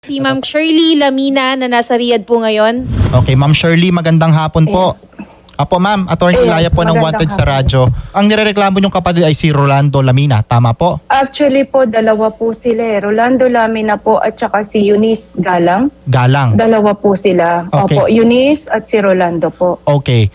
Si Ma'am Shirley Lamina na nasa Riyadh po ngayon. Okay, Ma'am Shirley, magandang hapon po. Yes. Apo ma'am, Attorney Yes, Ilaya po ng magandang Wanted sa hapon. radyo. Ang nirereklamo niyong kapatid ay si Rolando Lamina, tama po? Actually po, dalawa po sila eh. Rolando Lamina po at saka si Eunice Galang. Galang. Dalawa po sila. Okay. Opo, Eunice at si Rolando po. Okay.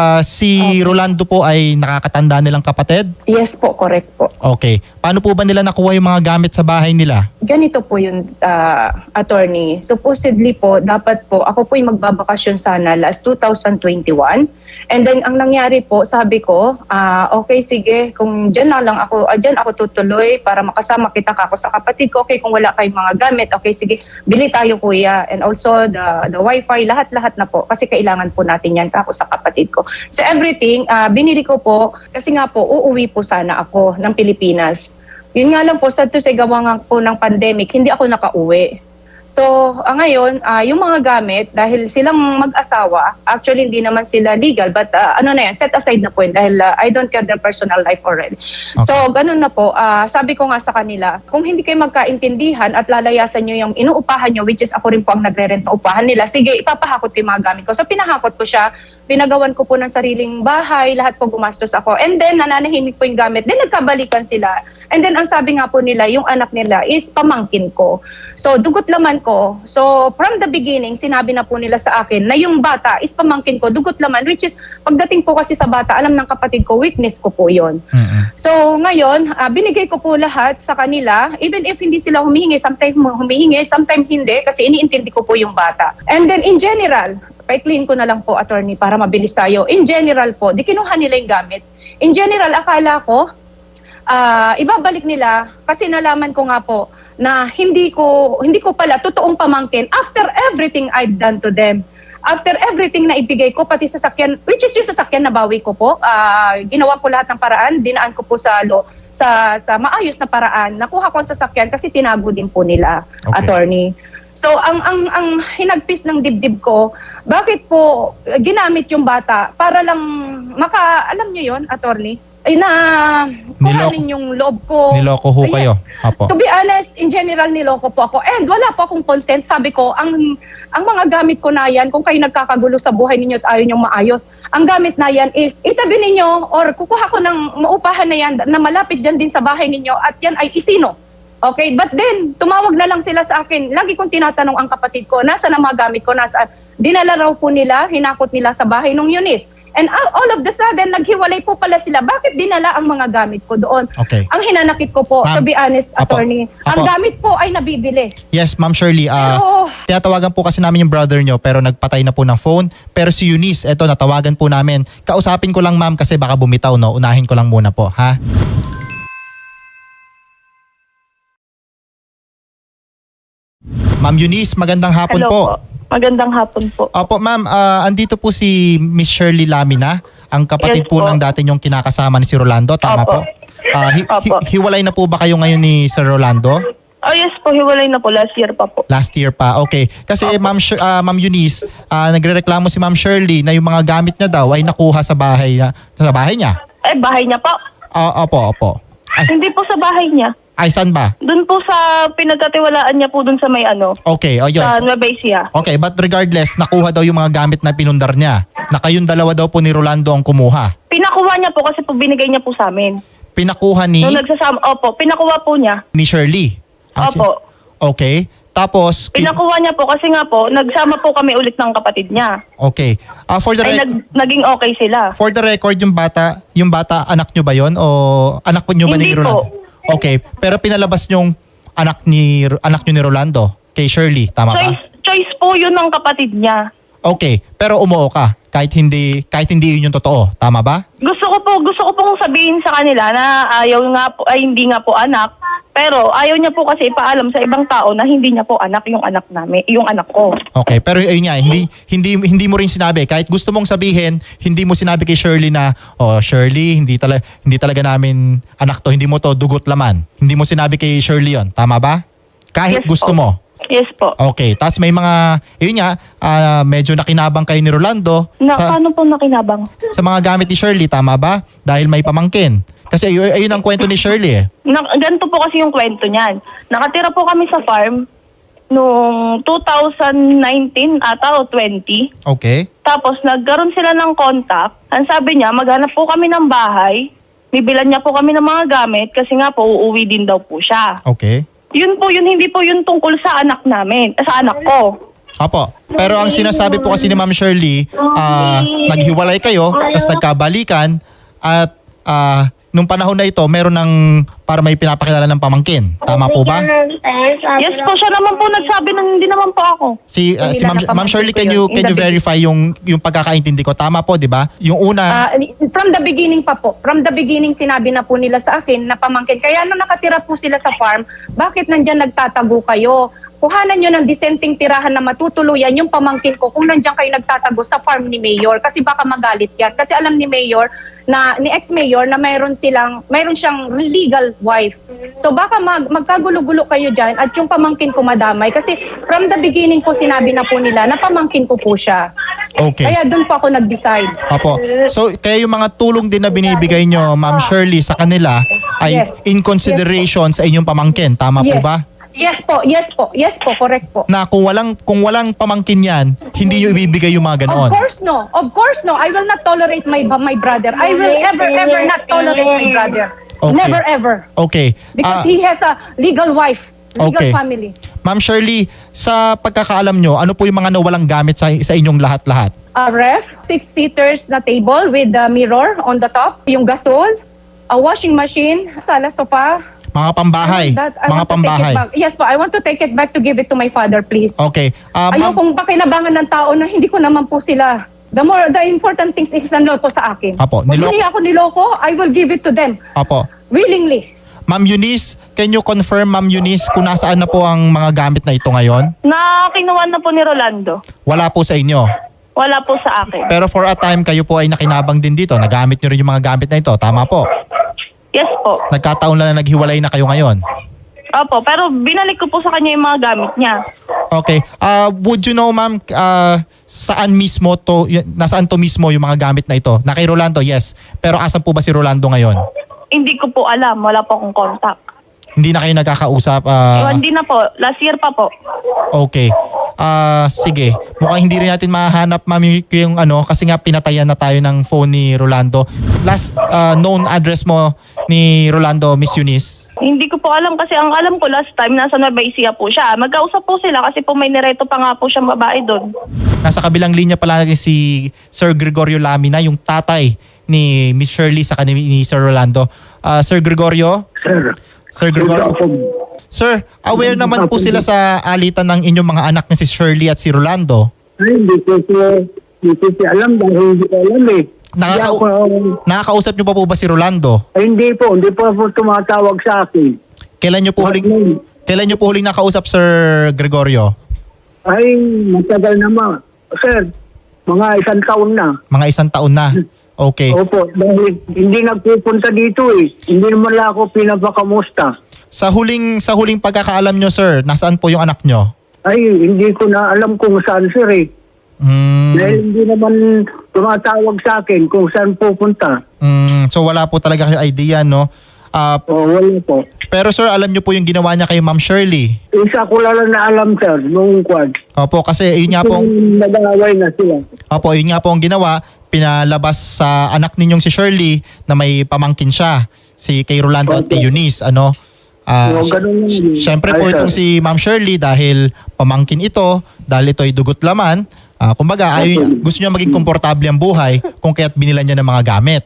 Si Rolando po ay nakakatanda nilang kapatid? Yes po, correct po. Okay. Paano po ba nila nakuha yung mga gamit sa bahay nila? Ganito po yung attorney. Supposedly po, dapat po, ako po yung magbabakasyon sana last 2021. And then, ang nangyari po, sabi ko, okay, sige, kung dyan ako tutuloy para makasama kita kako sa kapatid ko. Okay, kung wala kayong mga gamit, okay, sige, bili tayo kuya. And also, the wifi, lahat-lahat na po. Kasi kailangan po natin yan kako sa kapatid ko. So everything, binili ko po, kasi nga po, uuwi po sana ako ng Pilipinas. Yun nga lang po, sa gawa nga po ng pandemic, hindi ako nakauwi. So, ngayon, yung mga gamit, dahil silang mag-asawa, actually hindi naman sila legal, but set aside na po yun dahil I don't care their personal life already. Okay. So, ganun na po. Sabi ko nga sa kanila, kung hindi kayo magkaintindihan at lalayasan nyo yung inuupahan nyo, which is ako rin po ang nagre-rent na upahan nila, sige, ipapahakot ko yung mga gamit ko. So, pinahakot ko siya. Pinagawan ko po ng sariling bahay, lahat po gumastos ako. And then, nananahimik po yung gamit. Then, nagkabalikan sila. And then, ang sabi nga po nila, yung anak nila is pamangkin ko. So, dugot laman ko. So, from the beginning, sinabi na po nila sa akin na yung bata is pamangkin ko, dugot laman, which is, pagdating po kasi sa bata, alam ng kapatid ko, weakness ko po yon. So, ngayon, binigay ko po lahat sa kanila, even if hindi sila humihingi, sometimes hindi, kasi iniintindi ko po yung bata. And then, in general, pa-clean ko na lang po, attorney, para mabilis tayo. In general po, di kinuha nila yung gamit. In general, akala ko, ibabalik nila kasi nalaman ko nga po na hindi ko pala totoong pamangkin after everything I've done to them. After everything na ibigay ko, pati sasakyan, which is yung sasakyan na bawi ko po, ginawa ko lahat ng paraan, dinaan ko po sa maayos na paraan. Nakuha ko ang sasakyan kasi tinago din po nila, Okay. attorney. So, ang hinagpis ng dibdib ko, bakit po ginamit yung bata para lang alam nyo yon, attorney? Ay na kuhanin yung loob ko. Niloko ho kayo? Apo. To be honest, in general, niloko po ako. And wala po akong consent. Sabi ko, ang mga gamit ko na yan, kung kayo nagkakagulo sa buhay ninyo at ayaw nyong maayos, ang gamit na yan is itabi ninyo or kukuha ko ng maupahan na yan na malapit dyan din sa bahay ninyo at yan ay isino. Okay, but then, tumawag na lang sila sa akin. Lagi kong tinatanong ang kapatid ko, nasaan ang mga gamit ko, nasaan? Dinala raw po nila, hinakot nila sa bahay ng Eunice. And all of the sudden, naghiwalay po pala sila. Bakit dinala ang mga gamit ko doon? Okay. Ang hinanakit ko po, Ma'am, to be honest, Apo. attorney, ang Apo. gamit po ay nabibili. Yes, Ma'am Shirley. Pero- Tinatawagan po kasi namin yung brother nyo pero nagpatay na po ng phone. Pero si Eunice, eto, natawagan po namin. Kausapin ko lang ma'am kasi baka bumitaw, no? Unahin ko lang muna po, ha? Ma'am Eunice, magandang hapon Hello po. Magandang hapon po. Opo ma'am, andito po si Miss Shirley Lamina, ang kapatid Yes po po. ng dati niyong kinakasama ni si Rolando, tama Opo. po? Opo. Hiwalay na po ba kayo ngayon ni Sir Rolando? Oh yes po, hiwalay na po. Last year pa po. Last year pa, okay. Kasi Ma'am Eunice, nagrereklamo si Ma'am Shirley na yung mga gamit niya daw ay nakuha sa bahay niya. Bahay niya po. Opo. Hindi po sa bahay niya. Ay, saan ba? Doon po sa pinagkatiwalaan niya po doon sa may Okay, yun. sa Nueva Ecija. Okay, but regardless, nakuha daw yung mga gamit na pinundar niya. Na kayong dalawa daw po ni Rolando ang kumuha. Pinakuha niya po kasi po binigay niya po sa amin. Pinakuha Nung nagsasama, pinakuha po niya. ni Shirley. Opo. Okay. Tapos, Pinakuha niya po kasi nga po, nagsama po kami ulit ng kapatid niya. okay. For the Ay naging okay sila. For the record, yung bata, anak nyo ba yon o anak nyo ba ni Hindi Rolando? po. Okay, pero pinalabas yung anak nyo ni Rolando kay Shirley, tama ba? Choice po yun ng kapatid niya. Okay, pero umuo ka kahit hindi yun yung totoo, tama ba? Gusto ko pong sabihin sa kanila na hindi nga po anak, pero ayaw niya po kasi ipaalam sa ibang tao na hindi niya po anak yung anak namin, yung anak ko. Okay, pero ayun nga, hindi mo rin sinabi kahit gusto mong sabihin, hindi mo sinabi kay Shirley na Shirley, hindi talaga namin anak to, hindi mo to dugot laman. Hindi mo sinabi kay Shirley yon, tama ba? Kahit Yes gusto po. mo. Yes po. Okay, tapos may mga, yun nga, medyo nakinabang kayo ni Rolando Paano po nakinabang? sa mga gamit ni Shirley, tama ba? Dahil may pamangkin. Kasi ayun ang kwento ni Shirley eh. Ganito po kasi yung kwento niyan. Nakatira po kami sa farm. noong 2019 ata o 20. Okay. Tapos nagkaroon sila ng contact. Ang sabi niya, maghanap po kami ng bahay. Bibilan niya po kami ng mga gamit kasi nga po uuwi din daw po siya. Okay. Yun po yun, hindi po yun tungkol sa anak namin, sa anak ko. Opo. Pero ang sinasabi po kasi ni Ma'am Shirley, naghiwalay kayo, tapos nagkabalikan, at nung panahon na ito, meron ng para may pinapakilala ng pamangkin. Tama po ba? Yes po, siya naman po nagsabi na hindi naman po ako. Si Ma'am Shirley, can you verify yung pagkakaintindi ko? Tama po, di ba? Yung una, From the beginning pa po. From the beginning, sinabi na po nila sa akin na pamangkin. Kaya nung nakatira po sila sa farm, bakit nandyan nagtatago kayo? Kuhanan nyo ng disenteng tirahan na matutuluyan yung pamangkin ko kung nandyan kayo nagtatago sa farm ni Mayor. Kasi baka magalit yan. Kasi alam ni Mayor, ni ex-mayor na mayroon siyang legal wife. So baka magkagulo-gulo kayo dyan at yung pamangkin ko madamay. Kasi from the beginning po sinabi na po nila na pamangkin ko po siya. okay. Kaya doon po ako nag-decide. Opo. So, kaya yung mga tulong din na binibigay nyo, Ma'am Shirley, sa kanila ay Yes. in consideration sa inyong pamangkin. Tama po Yes. ba? Yes po, correct po. Na kung walang pamangkin yan, hindi nyo ibibigay yung mga ganoon. Of course no. I will not tolerate my brother. I will ever not tolerate my brother. Okay. Never ever. Okay. Because he has a legal wife, legal Okay. family. Ma'am Shirley, sa pagkakaalam nyo, ano po yung mga nawalang gamit sa inyong lahat-lahat? A ref, 6-seaters na table with the mirror on the top, yung gasol, a washing machine, sala, sofa. Mga pambahay. I Mga want to take pambahay. it back. Yes po, I want to take it back to give it to my father, please. Okay. Ma'am, Ayokong pakinabangan ng tao na hindi ko naman po sila. The important things is nanloko sa akin. Apo, Kung hindi ako niloko, I will give it to them. Opo. Willingly. Ma'am Eunice, can you confirm, Ma'am Eunice, kung nasaan na po ang mga gamit na ito ngayon? Na kinuha na po ni Rolando. Wala po sa inyo. Wala po sa akin. Pero for a time, kayo po ay nakinabang din dito. Nagamit nyo rin yung mga gamit na ito. Tama po. Yes po. Nagkataon lang na naghiwalay na kayo ngayon. Opo, pero binalik ko po sa kanya yung mga gamit niya. Okay. Would you know, ma'am, saan mismo to, nasaan to mismo yung mga gamit na ito? Na kay Rolando, yes. Pero asan po ba si Rolando ngayon? Hindi ko po alam, wala po akong contact. Hindi na kayo nagkakausap? Hindi na po, last year pa po. Okay. Sige. Mukhang hindi rin natin mahanap, ma'am, yung ano, kasi nga pinatayan na tayo ng phone ni Rolando. Last known address mo ni Rolando, Miss Eunice? Hindi ko po alam kasi ang alam ko last time nasa Nueva Ecija po siya. Magkausap po sila kasi po may nireto pa nga po siyang babae doon. Nasa kabilang linya pala natin si Sir Gregorio Lamina, yung tatay ni Miss Shirley sa ni Sir Rolando. Sir Gregorio? Sir Gregorio? Sir, aware naman po sila sa alitan ng inyong mga anak na si Shirley at si Rolando. Ay, hindi ko siya alam dahil hindi ko alam eh. Nakakausap niyo pa po ba si Rolando? Ay, hindi po ako tumatawag sa akin. Kailan niyo po huling nakausap, Sir Gregorio? Ay, matagal naman. Sir, mga 1 taon na. Mga 1 taon na. Okay. Opo, dahil hindi nagpupunta dito eh. Hindi naman lang ako pinapakamusta. Sa huling pagkakaalam niyo, sir, nasaan po yung anak niyo? Ay, hindi ko na alam kung saan, sir eh. Dahil hindi naman tumatawag sa akin kung saan pupunta. So wala po talaga kayo idea, no? Wala po. Pero sir, alam niyo po yung ginawa niya kay Ma'am Shirley. Isa ko lang na alam, sir, nung quad. Opo, kasi yun nga po, Nag-aaway na sila. opo, yun nga po ang ginawa, pinalabas sa anak ninyong si Shirley na may pamangkin siya, si kay Rolando at kay Eunice, ano? Ganun yun. Siyempre po Ay, sir. itong si Ma'am Shirley dahil pamangkin ito, dahil ito ay dugot laman, kumbaga gusto niya maging komportable ang buhay kung kaya't binilan niya ng mga gamit.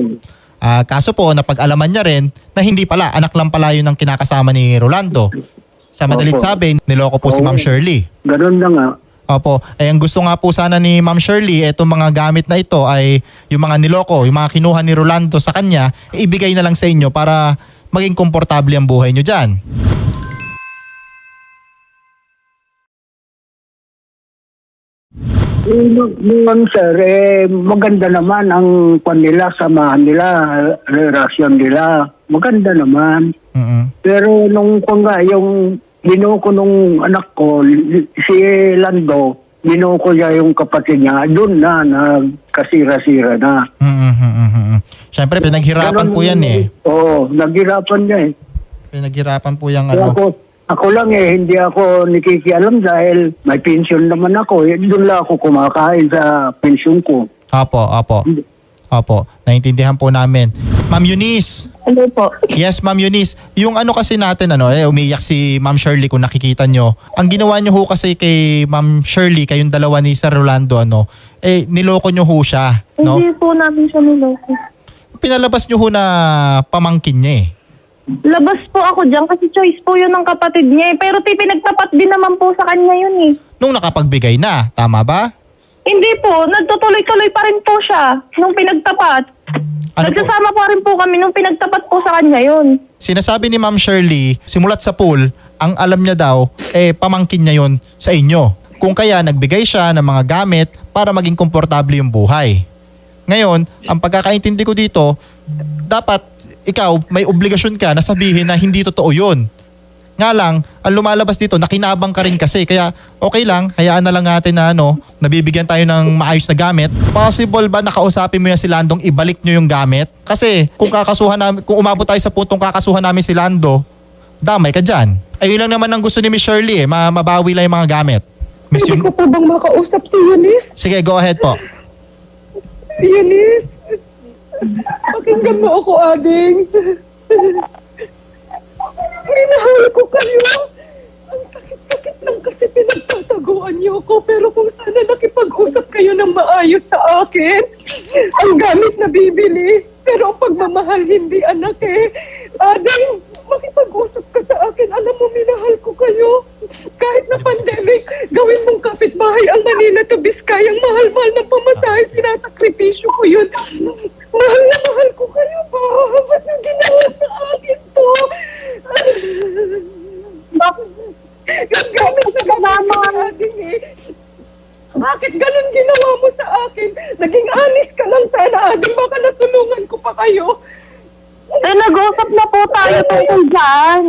Kaso po, napag-alaman niya rin na hindi pala, anak lang pala yun ang kinakasama ni Rolando. Sa madalit Opo. sabi, niloko po si Ma'am Shirley. Ganun na nga. Opo, ang gusto nga po sana ni Ma'am Shirley, itong mga gamit na ito ay yung mga niloko, yung mga kinuha ni Rolando sa kanya, ibigay na lang sa inyo para maging komportable ang buhay nyo dyan. Noon sir, maganda naman ang kanila, samahan nila, relasyon nila. Maganda naman. Pero nung yung binuko nung anak ko, si Lando, binuko niya yung kapatid niya, doon na nagkasira-sira na. Siyempre, pinaghirapan po yan eh. Oo, naghirapan niya eh. Pinaghirapan po yung Kaya ano. ako, Ako lang hindi ako nakikialam dahil may pension naman ako. Doon lang ako kumakain sa pension ko. Opo, naintindihan po namin. Ma'am Eunice. Hello po. Yes, Ma'am Eunice. Yung ano kasi natin, umiyak si Ma'am Shirley kung nakikita nyo. Ang ginawa nyo ho kasi kay Ma'am Shirley, kayong dalawa ni Sir Rolando, niloko nyo ho siya. No? Hindi po namin siya niloko. Pinalabas nyo ho na pamangkin niya eh. Labas po ako dyan kasi choice po yun ng kapatid niya eh. Pero pinagtapat din naman po sa kanya yun eh. Nung nakapagbigay na, tama ba? Hindi po, nagtutuloy-tuloy pa rin po siya nung pinagtapat. Ano po? Nagsasama pa rin po kami nung pinagtapat po sa kanya yun. Sinasabi ni Ma'am Shirley, simulat sa pool, ang alam niya daw, pamangkin niya yon sa inyo. Kung kaya nagbigay siya ng mga gamit para maging komportable yung buhay. Ngayon, ang pagkakaintindi ko dito, dapat ikaw may obligasyon ka na sabihin na hindi totoo yun. Nga lang, ang lumalabas dito, nakinabang ka rin kasi. Kaya okay lang, hayaan na lang natin na nabibigyan tayo ng maayos na gamit. Possible ba nakausapin mo yan si Landong ibalik nyo yung gamit? Kasi kung umabot tayo sa puntong kakasuhan namin si Lando, damay ka dyan. Ayun lang naman ang gusto ni Miss Shirley mabawi lang yung mga gamit. Miss Pwede ko po bang makausap si Eunice? Sige, go ahead po. Eunice, pakinggan mo ako, Ading. Minahal ko kayo. Ang sakit-sakit lang kasi pinagtataguan niyo ko. Pero kung sana nakipag-usap kayo ng maayos sa akin, ang gamit na bibili. Pero ang pagmamahal hindi, anak eh. Ading, makipag-usap ka sa akin. Alam mo, minahal ko kayo. Kahit na pandemic, gawin mong kapitbahay ang Manila to Biskaya. Ang mahal-mahal ng pamasahe, sinasakripisyo ko yun. Mahal na mahal ko kayo pa. Ba't yung ginawa sa akin to? Yung gamit na ginawa akin eh. Bakit ganun ginawa mo sa akin? Naging honest ka lang sana, Ading. Baka natulungan ko pa kayo. Nag-uusap na po tayo tungkol dyan.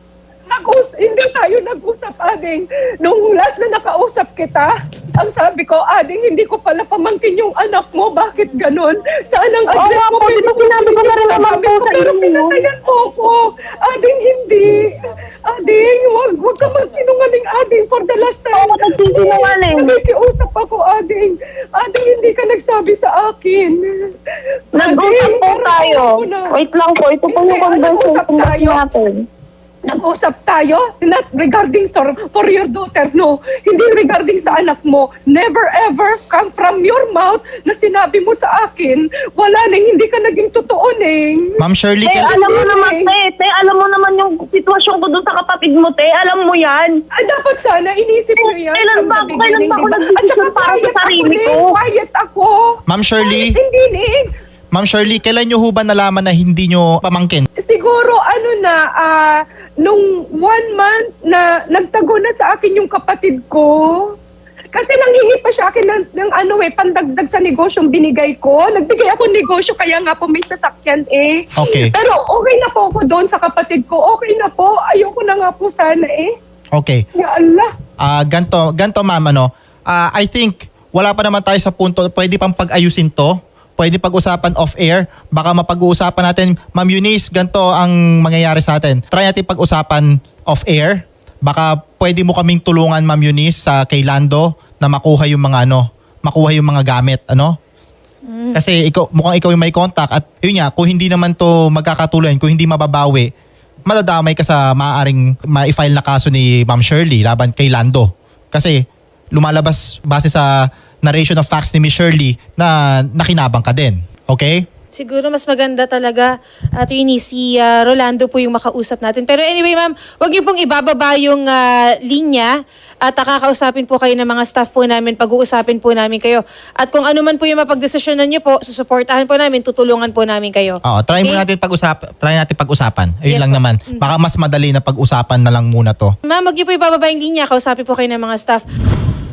Hindi tayo nag-usap, Ading. Nung last na nakausap kita, ang sabi ko, Ading, hindi ko pala pamangkin yung anak mo. Bakit ganun? Saan ang address mo? Po, di ba sinabi ko na rin naman po sa pero inyo? pinatayan mo ko. Ading, hindi. Ading, wag ka magsinungaling, Ading, for the last time. Oo, nagsisinungaling. Nakikiusap ako, Ading. Ading, hindi ka nagsabi sa akin. Nag-usap po tayo. Wait lang po, ito po yung Hindi, conversation nag-usap tayo. natin. Nag-usap tayo, not regarding for your daughter, no. Hindi regarding sa anak mo. Never ever come from your mouth na sinabi mo sa akin, wala nang hindi ka naging totoo, Neng. Ma'am Shirley, Alam mo naman, te, alam mo naman yung sitwasyon ko doon sa kapatid mo, te. Alam mo yan. Dapat sana inisip mo yan. Kailan ba ako At nag-decision saka para sa sarili ko? Quiet ako. Ma'am Shirley, Hindi, Neng. Ma'am Shirley, kailan nyo ho ba nalaman na hindi nyo pamangkin? Siguro nung 1 month na nagtago na sa akin yung kapatid ko. Kasi nanghingi pa siya akin ng pandagdag sa negosyong binigay ko. Nagbigay ako ng negosyo kaya nga po may sasakyan eh. Okay. Pero okay na po ako doon sa kapatid ko. Okay na po. Ayoko na nga po sana eh. Okay. Ya Allah. Ganto ma'am, I think wala pa naman tayo sa punto, pwede pang pag-ayusin to. Pwede pag-usapan off-air. Baka mapag-uusapan natin, Ma'am Eunice, ganito ang mangyayari sa atin. Try natin pag-usapan off-air. Baka pwede mo kaming tulungan, Ma'am Eunice, sa kay Lando na makuha yung mga gamit, Kasi mukhang ikaw yung may contact at yun nga, kung hindi naman to magkakatuloy, kung hindi mababawi, madadamay ka sa maaaring ma-file na kaso ni Ma'am Shirley laban kay Lando. Kasi lumalabas base sa narration of facts ni Miss Shirley na nakinabang ka din. Okay? Siguro mas maganda talaga, Attorney, si Rolando po yung makausap natin. Pero anyway, ma'am, wag niyo pong ibababa yung linya at kakausapin po kayo ng mga staff po namin, pag-uusapin po namin kayo. At kung ano man po yung mapagdesisyonan niyo po, susuportahan po namin, tutulungan po namin kayo. Oo, try natin pag-usapan. Ayun Yes, lang po. naman. Baka mas madali na pag-usapan na lang muna to. Ma'am, wag niyo po ibababa yung linya, kausapin po kayo ng mga staff.